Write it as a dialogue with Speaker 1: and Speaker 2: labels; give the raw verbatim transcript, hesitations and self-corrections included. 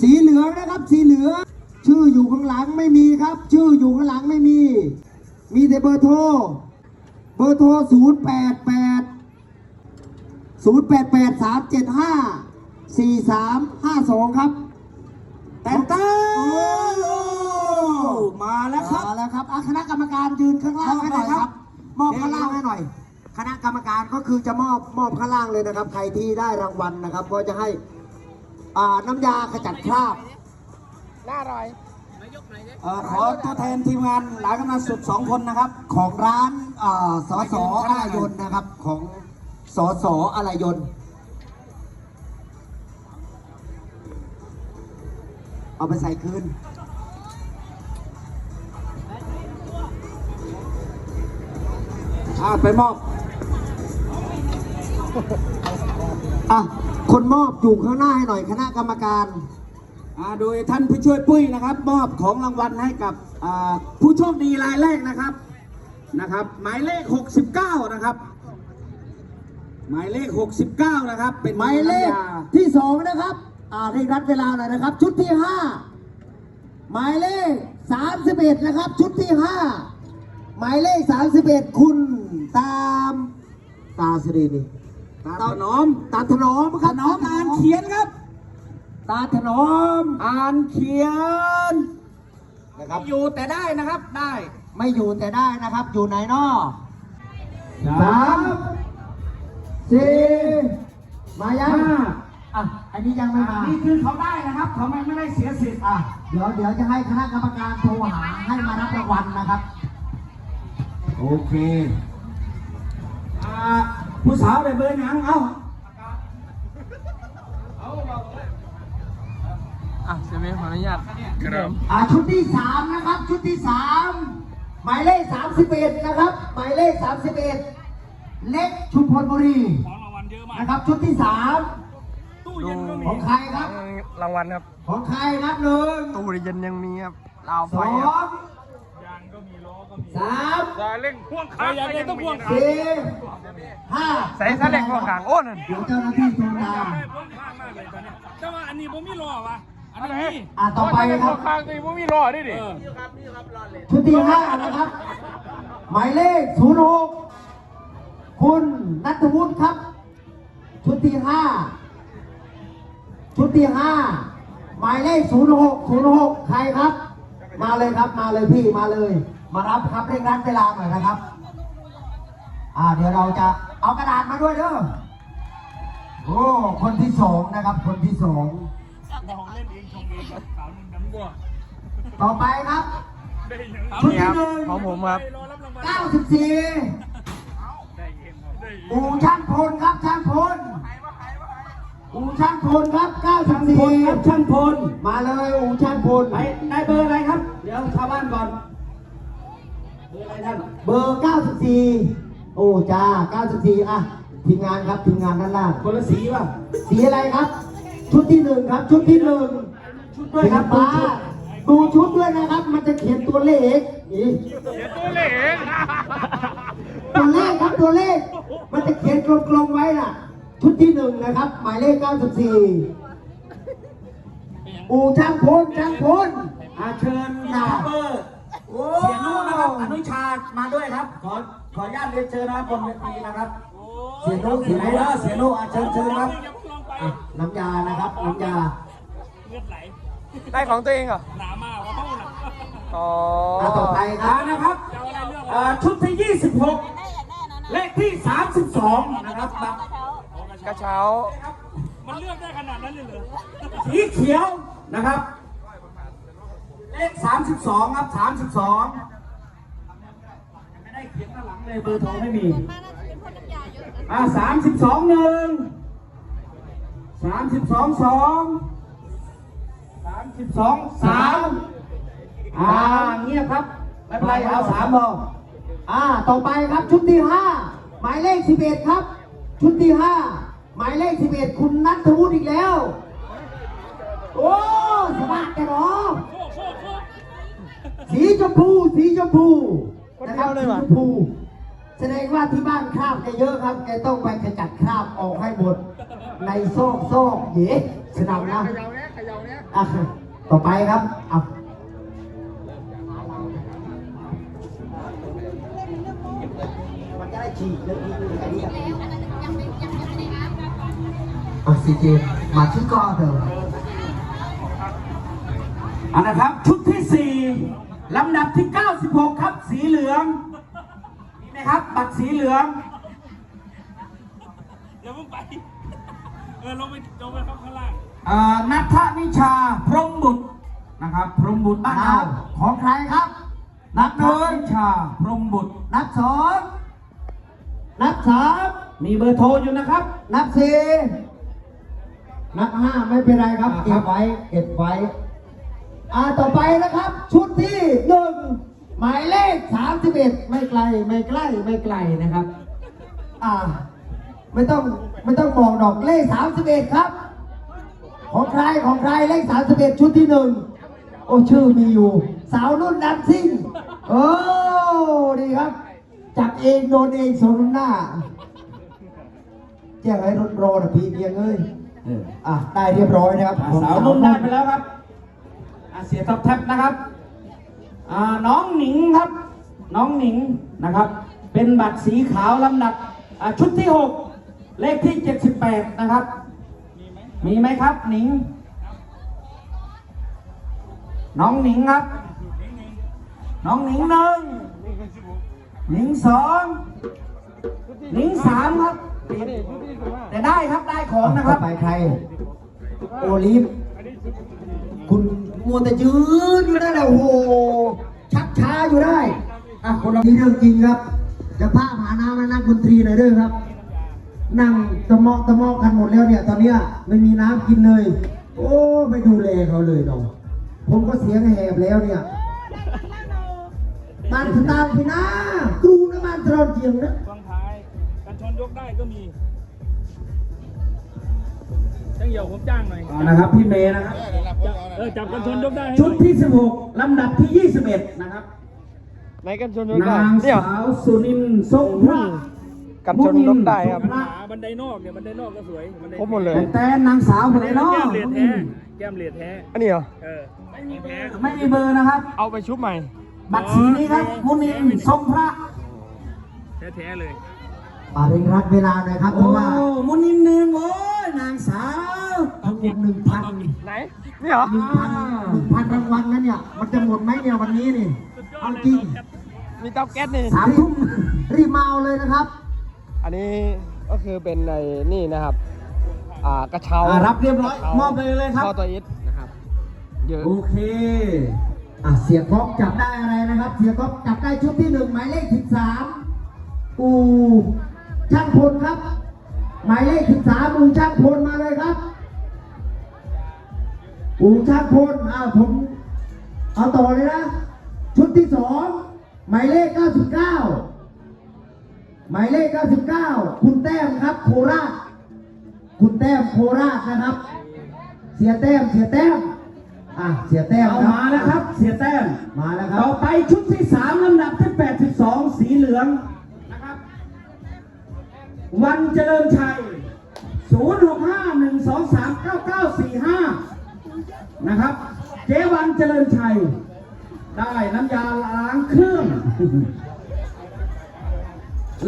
Speaker 1: สีเหลืองนะครับสีเหลืองชื่ออยู่ข้างหลังไม่มีครับชื่ออยู่ข้างหลังไม่มีมีแต่เบอร์โทรเบอร์โทรศูนย์แปดแปดศูนย์แปดแปดสามเจ็ดห้าสี่สามห้าสองครับแต่เต้มาแล้วครับมาแล้วครับคณะกรรมการยืนข้างล่างให้หน่อยครับมอบข้างล่างให้หน่อยคณะกรรมการก็คือจะมอบมอบข้างล่างเลยนะครับใครที่ได้รางวัลนะครับก็จะให้น้ำยาขจัดคราบน่าอร่อยขอตัวแทนทีมงานหลายกำนันสุดสองคนนะครับของร้านสสอะไรยนต์นะครับของสสอะไรยนต์เอาไปใส่คืนอ่าไปมอบอ่ะคนมอบอยู่ข้างหน้าให้หน่อยคณะกรรมการอ่าโดยท่านผู้ช่วยปุ้ยนะครับมอบของรางวัลให้กับอ่าผู้โชคดีรายแรกนะครับนะครับหมายเลขหกสิบเก้านะครับหมายเลขหกสิบเก้านะครับเป็นหมายเลขที่สองนะครับอ่าให้รัดเวลาหน่อยนะครับชุดที่ห้าหมายเลขสามสิบเอ็ดนะครับชุดที่ห้าหมายเลขสามสิบเอ็ดคุณตามตาสรีนี่ตาถนอมตาถนอมครับน้องอ่านเขียนครับตาถนอมอ่านเขียนนะครับอยู่แต่ได้นะครับได้ไม่อยู่แต่ได้นะครับอยู่ไหนนอสามสี่มายังอ่ะอันนี้ยังไม่มานี่คือเขาได้นะครับเขาไม่ไม่ได้เสียสิทธิ์อ่ะเดี๋ยวเดี๋ยวจะให้คณะกรรมการโทรหาให้มารับรางวัลนะครับโอเคอ่าผู้สาวได้เบอร์หนังเอา
Speaker 2: อ่ะเซเว่นขออนุญาตครับ
Speaker 1: อ่าชุดที่สามนะครับชุดที่สามหมายเลขสามสิบเอ็ดนะครับหมายเลขสามสิบเอ็ดเล็กชุมพลบุรีนะครับชุดที่สามของใครครับ
Speaker 2: รางวัลครับ
Speaker 1: ของใครนับหนึ่ง
Speaker 2: ตู้เย็นยังมีครับลาวไฟ
Speaker 1: สองย
Speaker 2: างก็มีล้อก็มี
Speaker 1: สาม
Speaker 2: จะเร่งพ่วงข้างยังต้องพ่วง
Speaker 1: สี่ห้า
Speaker 2: ใส่ซาเร่งพ่วงข้างโอ้นั่น
Speaker 1: เดี๋ยวเจ้าหน้าที่โทรตาม
Speaker 2: แต่ว่าอันนี้ผมมีล้อวะอันนี้
Speaker 1: อ่าต่อไปครับ
Speaker 2: พ่วงข้างนี่ผมมีล้อด้วยดิ
Speaker 1: ชุดที่ห้านะครับหมายเลขศูนย์หกคุณณัฐวุฒิครับชุดที่ห้าชุดที่ห้าหมายเลขศูนย์หกศูนย์หกใครครับมาเลยครับมาเลยพี่มาเลยมารับครับเร่งรัดเวลาหน่อยนะครับอ่าเดี๋ยวเราจะเอากระดาษมาด้วยเด้อโอ้คนที่สองนะครับคนที่สองต่อไปครับชุดที่หนึ่ง
Speaker 2: ของผมครับ
Speaker 1: เก้าสิบสี่อู่ช่างพลครับช่างพลอู่ช่างพลครับเก้าสิบสี่ครับช่างพลมาเลยอู่ช่างพลไปได้เบอร์อะไรครับเดี๋ยวชาวบ้านก่อนเบอร์อะไรท่านเบอร์เก้าสิบสี่โอ้จ้าเก้าสิบสี่อ่ะทีมงานครับทีมงานด้านล่างคนละสีป่ะสีอะไรครับชุดที่หนึ่งครับชุดที่หนึ่งชุดด้วยครับป้าดูชุดด้วยนะครับมันจะเขียนตัวเลขอี
Speaker 2: เขียนตัวเลข
Speaker 1: ตัวเลขครับตัวเลขมันจะเขียนกลมๆไว้น่ะชุดที่หนึ่งนะครับหมายเลขเก้าสิบสี่อู่ช่างพลช่างพลอาเชิญนาเบอร์เสียนุนะครับอนุชามาด้วยครับขอขออนุญาตเรียนเชิญนะครับบนเวทีนะครับเสียนุเสียนุแล้วเสียนุอาเชิญเชิญครับน้ำยานะครับน้ำยา
Speaker 2: เลือดไหลได้ของตัวเองเหรอหนามากว่าเขาหนักอ๋อ
Speaker 1: ต่อไปครับนะครับชุดที่ยี่สิบหกเลขที่สามสิบสองนะครับ
Speaker 2: กระเช้ามันเลือกได้ขนาดนั้นเลยเหรอ
Speaker 1: สีเขียวนะครับเลขสามสิบสองครับสามสิบสองไม่ได้เขียนด้านหลังเลยเบอร์โทรไม่มีอ่าสามสิบสองหนึ่งสามสิบสองสองสามสิบสองสามอ่าเงียบครับไม่เป็นไรเอาสามพออ่าต่อไปครับชุดที่ห้าหมายเลขสิบเอ็ดครับชุดที่ห้าหมายเลขสิบเอ็ดคุณณัฐวุฒิอีกแล้วโอ้สบายกันเนาะสีชมพูสีชมพูนะครับสีชมพูแสดงว่าที่บ้านคราบแกเยอะครับแกต้องไปขจัดคราบออกให้หมดในซอกซอกเย่สนามนะอ่ะต่อไปครับเอามันจะได้ฉีกเรื่องนี้ไอ้นี่อ่ะซีเจมาที่ก้อเถอะ
Speaker 3: อันนะครับชุดที่สี่ลำดับที่เก้าสิบหกครับสีเหลืองมีไหมครับบัตรสีเหลือง
Speaker 2: อย่าเพิ่งไป เออลงไปลงไปข้างล่าง
Speaker 3: อ่านัทนิชาพรหมบุตรนะครับพรหมบุตรบ้านเรา
Speaker 1: ของใครครับ
Speaker 3: นัทนิชาพรหมบุตร
Speaker 1: นับสองนับสาม
Speaker 3: มีเบอร์โทรอยู่นะครับ
Speaker 1: นับสี่นับห้าไม่เป็นไรครับ
Speaker 3: อ่าค
Speaker 1: เก็
Speaker 3: รั
Speaker 1: บบ ไว้เก็บไว้อ่าต่อไปนะครับ ชุดที่หนึ่งหมายเลขสามสิบเอ็ดไม่ไกลไม่ใกล้ไม่ไกลนะครับ อ่า ไม่ต้องไม่ต้องบอกดอกเลขสามสิบเอ็ดครับ ของใครของใครเลขสามสิบเอ็ดชุดที่หนึ่งโอ้ชื่อมีอยู่ สาวนุ่นดันซิ่งโอ้ดีครับ จับเองโดนเองสมหน้าแจ้งให้รถรอนะพี่เพียงเอ้ย
Speaker 3: เออ
Speaker 1: อ่ะได้เรียบร้อยนะครับ
Speaker 3: อ่าสาวนุ่นได้ไปแล้วครับอ่าเสียท็อปแท็บนะครับอ่าน้องหนิงครับ น้องหนิงนะครับ เป็นบัตรสีขาวลำดับอ่าชุดที่หกเลขที่เจ็ดสิบแปดนะครับ มีไหมครับหนิง น้องหนิงครับ น้องหนิงหนึ่งหนิงสองหนิงสามครับ แต่ได้ครับได้ของนะค
Speaker 1: ต่
Speaker 3: รั
Speaker 1: อบ ไปใคร โอลิฟ คุณมัวแต่ยืนอยู่นั่นแหละโอ้โห ชักช้าอยู่ได้ อ่ะคนเรามีเรื่องจริงครับ จะพาหาน้ำมานั่งดนตรีหน่อยเด้อครับ นั่งตะมอกตะมอกกันหมดแล้วเนี่ย ตอนเนี้ยไม่มีน้ำกินเลย โอ้ไม่ดูแลเขาเลยน้องผมก็เสียงแหบแล้วเนี่ยบ้านสตาร์พี่นะครูนะบ้านตรอนเจียงนะ
Speaker 2: ฟังท้ายกันชนยกได้ก็มีช่างเหี่ยวผมจ้างหน่อย
Speaker 3: อ่านะครับพี่เมย์นะครับ
Speaker 2: เออจับกันชนยกได้ให้
Speaker 3: ชุดที่สิบหกลำดับที่ยี่สิบเอ็ดนะครับ
Speaker 2: ไหนกันชนยกได้
Speaker 3: นางสาวสุนินทร์ทรงพระ
Speaker 2: กันชนยกได้ครับ
Speaker 3: มุนินทพระ
Speaker 2: บันไดนอกเนี่ยบันไดนอกก็สวยบันได
Speaker 4: ครบหมดเลย
Speaker 3: แต่นางสาวคนไหนเนาะ
Speaker 2: แก้มเหรียญแท้แก้มเหรียญแท้
Speaker 4: อันนี้เหรอ
Speaker 2: เออไม่มีแท้
Speaker 3: ไม่มีเบอร์นะครับ
Speaker 4: เอาไปชุบใหม่
Speaker 3: บัตรสีนี้ครับมุนินทร์ทรงพระ
Speaker 2: แท้ๆเลย
Speaker 1: ป่าเร่งรัดเวลาหน่อยครับเพ
Speaker 3: โอ้
Speaker 1: ราะว่า
Speaker 3: มุนินทร์หนึ่งโอ้ยนางสาว
Speaker 1: ทั้งหมดหนึ่งพัน
Speaker 4: ไหน นี่เหรอ
Speaker 1: หนึ่งพันหนึ่งพันรางวัลนั้นเนี่ย มันจะหมดไหมเนี่ยวันนี้นี่เอาจริง
Speaker 4: มีเตาแก๊สนี่
Speaker 3: สามทุ่ม
Speaker 1: รีบมาเอาเลยนะครับ
Speaker 4: อันนี้ก็คือเป็นในนี่นะครับ อ่ากระเช้า
Speaker 3: อ่ารับเรียบร้อยมอบไปเลยครับ
Speaker 4: ท่อตัวอิฐนะครับ เยอะ
Speaker 3: โอเค
Speaker 1: อ่ะเสียก๊อกจับได้อะไรนะครับ เสียก๊อกจับได้ชุดที่หนึ่งหมายเลขสิบสามอูช่างพลครับ หมายเลขสิบสามอูช่างพลมาเลยครับ อูช่างพลอ่าผมเอาต่อเลยนะ ชุดที่สองหมายเลขเก้าสิบเก้าหมายเลขเก้าสิบเก้าคุณแต้มครับ โคราช คุณแต้มโคราชนะครับ เสียแต้มเสียแต้มอ่ะเสียแต้ม
Speaker 3: เอา
Speaker 1: ครับ
Speaker 3: มาแล้วครับ เสียแต้ม
Speaker 1: มาแล้วครั
Speaker 3: ต่อบ ไปชุดที่สามลำดับที่แปดสิบสองสีเหลืองนะครับ วันเจริญชัย ศูนย์ หก ห้า หนึ่ง สอง สาม เก้า เก้า สี่ ห้า นะครับ เจวันเจริญชัย ได้น้ำยาล้างเครื่อง